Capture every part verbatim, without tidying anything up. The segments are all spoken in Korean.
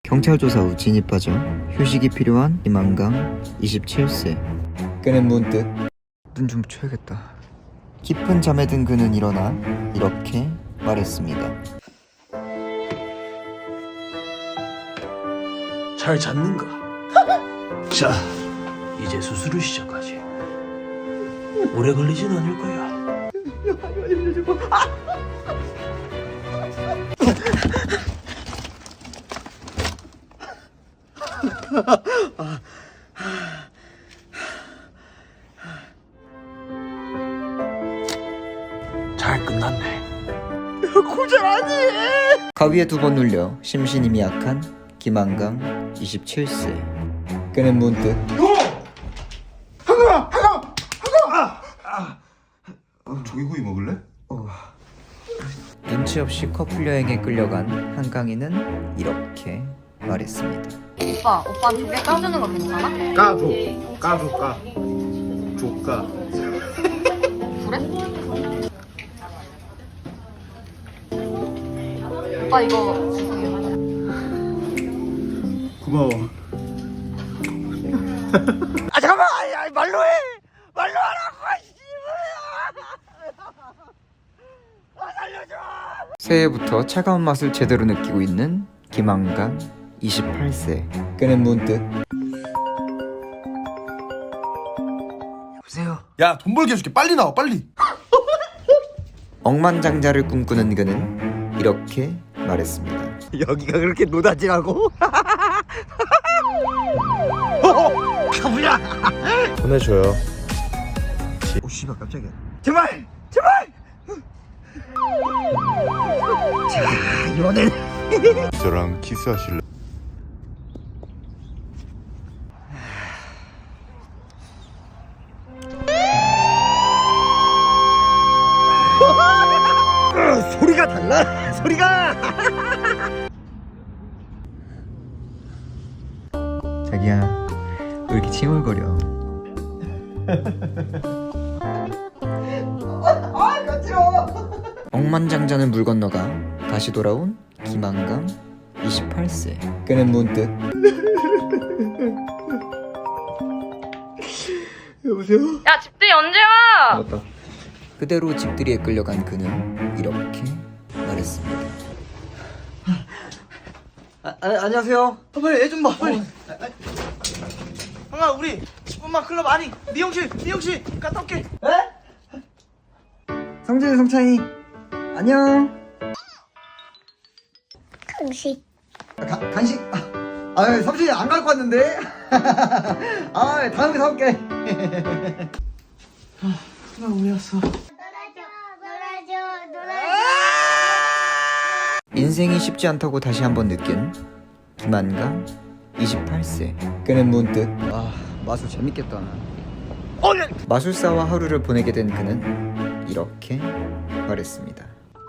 경찰 조사 후 진입하죠. 휴식이 필요한 김한강 이십칠 세. 그는 문득 눈 좀 쳐야겠다. 깊은 잠에 든 그는 일어나 이렇게 말했습니다. 잘 잤는가? 자, 이제 수술을 시작하지. 오래 걸리진 않을 거야. 잘 끝났네. 고작 아니. 가위에 두 번 눌려 심신이 미약한 김한강 이십칠 세. 그는 문득 한강아! 한강! 한강! 아! 아. 조개구이 먹을래? 어. 눈치 없이 커플 여행에 끌려간 한강이는 이렇게 말했습니다. 오빠, 오빠 두 개 까주는 거 괜찮아? 까줘. 까줘, 까. 조까. 그래? 오빠 이거 죄송해요. 고마워. 아 잠깐만! 아니, 아니, 말로 해! 말로 하라고! 아 살려줘! 새해부터 차가운 맛을 제대로 느끼고 있는 김한강 이십팔 세. 그는 문득 여보세요? 야, 돈 벌게 해줄게. 빨리 나와, 빨리! 억만장자를 꿈꾸는 그는 이렇게 말했습니다. 여기가 그렇게 노다지라고? 가부야! 보내줘요. 오 씨발 깜짝이야. 제발! 제발! 자, 이번엔 저랑 키스하실래? 소리가 달라! 소리가! 자기야, 왜 이렇게 칭얼거려? 아, 간지러워! 억만장자는 물 건너가 다시 돌아온 김한강 이십팔 세. 그는 문득 여보세요? 야, 집들이 언제 와? 맞다. 그대로 집들이에 끌려간 그는 이렇게 말했습니다. 아, 아, 안녕하세요. 아, 빨리 애 좀 봐, 빨리. 형아, 우리 십 분만 클럽 아니 미용실, 미용실 갔다 올게. 성진이, 성찬이. 안녕. 간식. 아, 가, 간식. 아, 아 성진이 안 갖고 왔는데. 아, 다음에 사올게. 나 우리 왔어. 놀아줘, 놀아줘, 놀아줘. 인생이 쉽지 않다고 다시 한번 느낀 김한강 이십팔 세. 그는 문득 아, 마술 재밌겠다. 마술사와 하루를 보내게 된 그는 이렇게 말했습니다.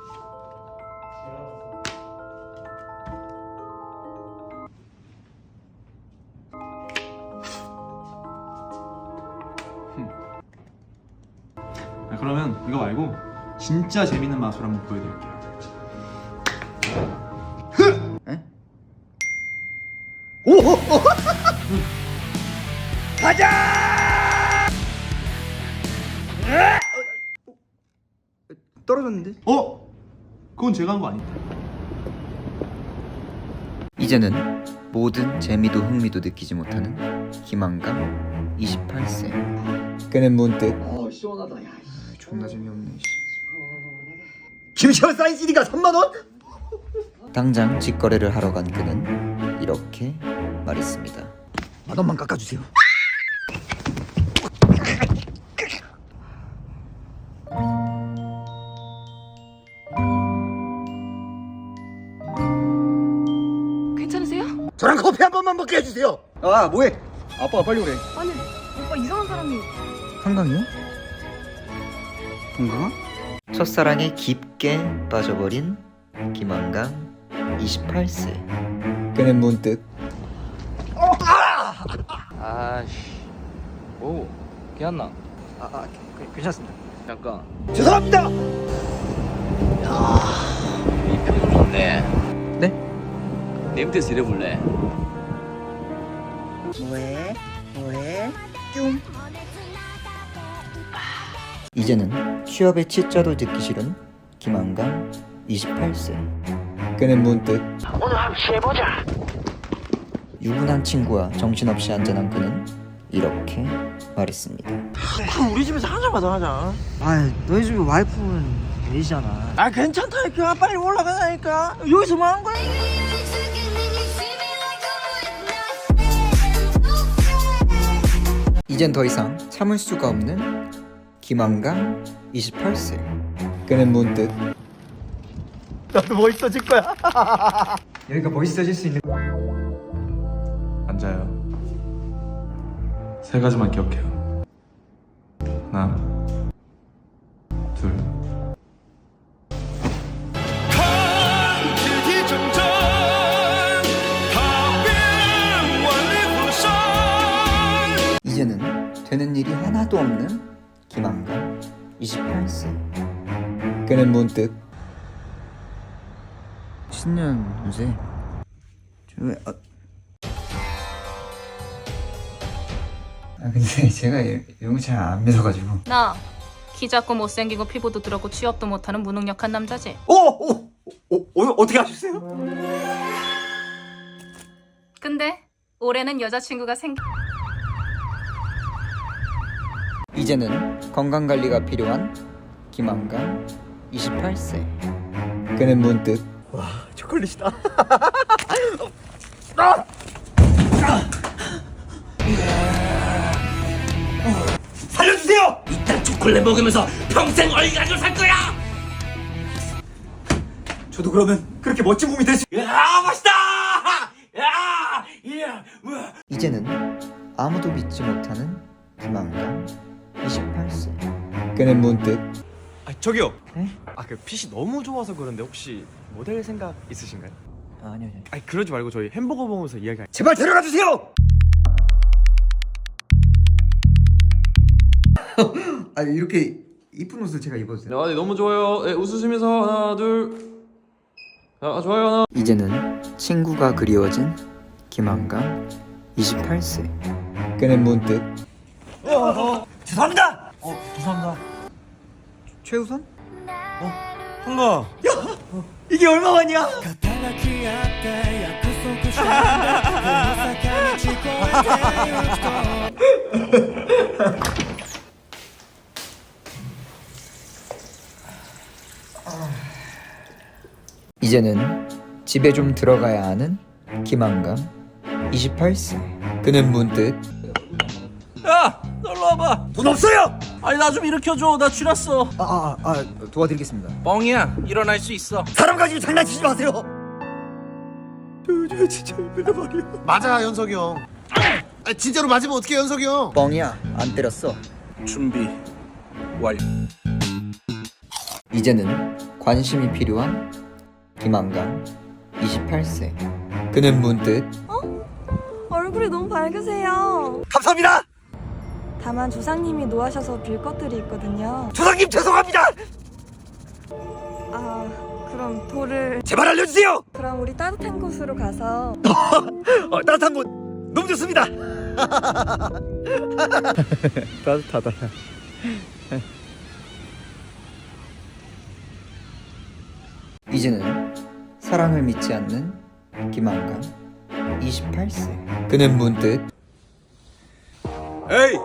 아, 그러면 이거 말고 진짜 재밌는 마술 한번 보여드릴게요. 떨어졌는데? 어? 그건 제가 한 거 아니다. 이제는 모든 재미도 흥미도 느끼지 못하는 김한강 이십팔 세. 그는 문득 어, 시원하다. 야, 존나 재미없네. 김시원 사인 씨디가 삼만 원? 당장 직거래를 하러 간 그는 이렇게 말했습니다. 만 원만 깎아주세요. 괜찮으세요? 저랑 커피 한 번만 먹게 해주세요. 아, 뭐해? 아빠가 빨리 오래. 아니, 오빠 이상한 사람이. 한강이요? 건강아? 첫사랑에 깊게 빠져버린 김한강 이십팔 세. 그는 문득 아씨, 오, 괜찮나? 아, 아 그, 괜찮습니다. 잠깐. 죄송합니다. 이 표정 좋네. 네? 내 밑에서 일해볼래? 뭐해? 뭐해? 뀨. 이제는 취업의 치자도 듣기 싫은 김한강 이십팔 세. 그는 문득 오늘 한번 해보자. 유부남 친구와 정신없이 한잔한 그는 이렇게 말했습니다. 그럼 우리 집에서 한 잔만 더 하자. 아, 너희 집에 와이프는 계시잖아. 아 괜찮다니까. 빨리 올라가자니까. 여기서 뭐 하는 거야? 이젠 더 이상 참을 수가 없는 김한강 이십팔 세. 그는 문득 나도 멋있어질 거야. 여기가 멋있어질 수 있는. 앉아요. 세 가지만 기억해요. 하나, 둘. 이제는 되는 일이 하나도 없는 김한강 이십팔 세. 그는 문득 신년 요새 좀 아, 아 근데 제가 이- 이런 거 잘 안 믿어가지고. 나 키 작고 못생기고 피부도 더럽고 취업도 못하는 무능력한 남자지. 오, 오, 오, 오, 어떻게 하셨어요? 근데 올해는 여자친구가 생. 이제는 건강관리가 필요한 김한강 이십팔 세. 그는 문득 초콜릿이다. 살려주세요. 일단 초콜릿 먹으면서 평생 얼간을 살 거야. 저도 그러면 그렇게 멋진 몸이 될 수. 야, 멋있다. 야, 야, 뭐. 이제는 아무도 믿지 못하는 김한강 이십팔 세. 그는 문득 아 저기요. 네? 아 그 핏이 너무 좋아서 그런데 혹시 모델 생각 있으신가요? 아, 아니요, 아니요. 아니 그러지 말고 저희 햄버거 먹으면서 이야기. 제발 데려가 주세요. 아, 이렇게 이쁜 옷을 제가 입어도 돼요? 네, 너무 좋아요. 네, 웃으시면서 하나, 둘. 아, 좋아요. 하나. 이제는 친구가 그리워진 김한강 이십팔 세. 그는 문득 죄송합니다. 어 죄송합니다. 최우선? 한가. 이게 얼마만이야? 이제는 집에 좀 들어가야 하는 김한강 이십팔 세. 그는 문득 야, 놀러 와봐. 돈 없어요. 아니 나 좀 일으켜줘. 나 쥐났어. 아, 아, 아, 도와드리겠습니다. 뻥이야. 일어날 수 있어. 사람 가지고 장난치지 마세요. 저 진짜 힘들단 말이야. 맞아 연석이 형. 아, 진짜로 맞으면 어떡해 연석이 형. 뻥이야, 안 때렸어. 준비 완료. 이제는 관심이 필요한 김한강 이십팔 세. 그는 문득 얼굴이 너무 밝으세요. 감사합니다. 다만 조상님이 노하셔서 빌 것들이 있거든요. 조상님 죄송합니다. 아, 그럼 돌을. 제발 알려주세요. 그럼 우리 따뜻한 곳으로 가서. 어, 따뜻한 곳 너무 좋습니다. 따뜻하다. 이제는 사랑을 믿지 않는 김한강 이십팔 세. 그는 문득 에이.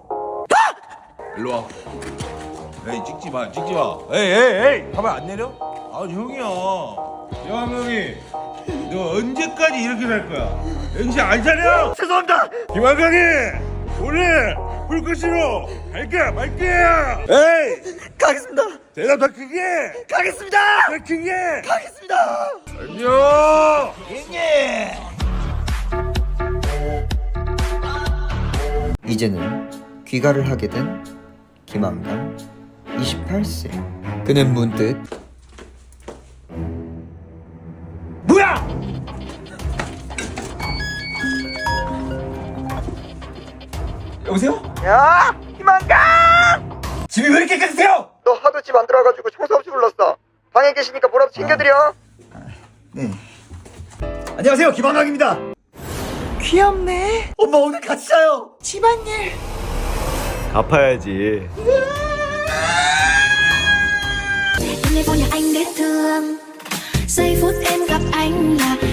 일로 와. 에이 찍지 마 찍지 마. 에이 에이 에이. 가만 안 내려? 아 형이야. 야 형이. 너 언제까지 이렇게 살 거야? 정신 안 차려? 죄송합니다. 김한강이 오늘 불꽃으로 갈까 말게야. 에이. 가겠습니다. 대답 더 크게. 가겠습니다. 더 크게. 가겠습니다. 안녕. 이제는 귀가를 하게 된 김한강 이십팔 세. 그는 문득 뭐야? 여보세요? 야, 김한강! 집이 왜 이렇게 깨끗해요? 너 하도 집 안 들어가지고 청소 없이 불렀어. 방에 계시니까 뭐라도 챙겨드려. 네. 안녕하세요, 김한강입니다. 귀엽네. 엄마 오늘 같이 자요. 집안일. 갚아야지. Đêm nay vô nhà anh để thương. Giây phút em gặp anh là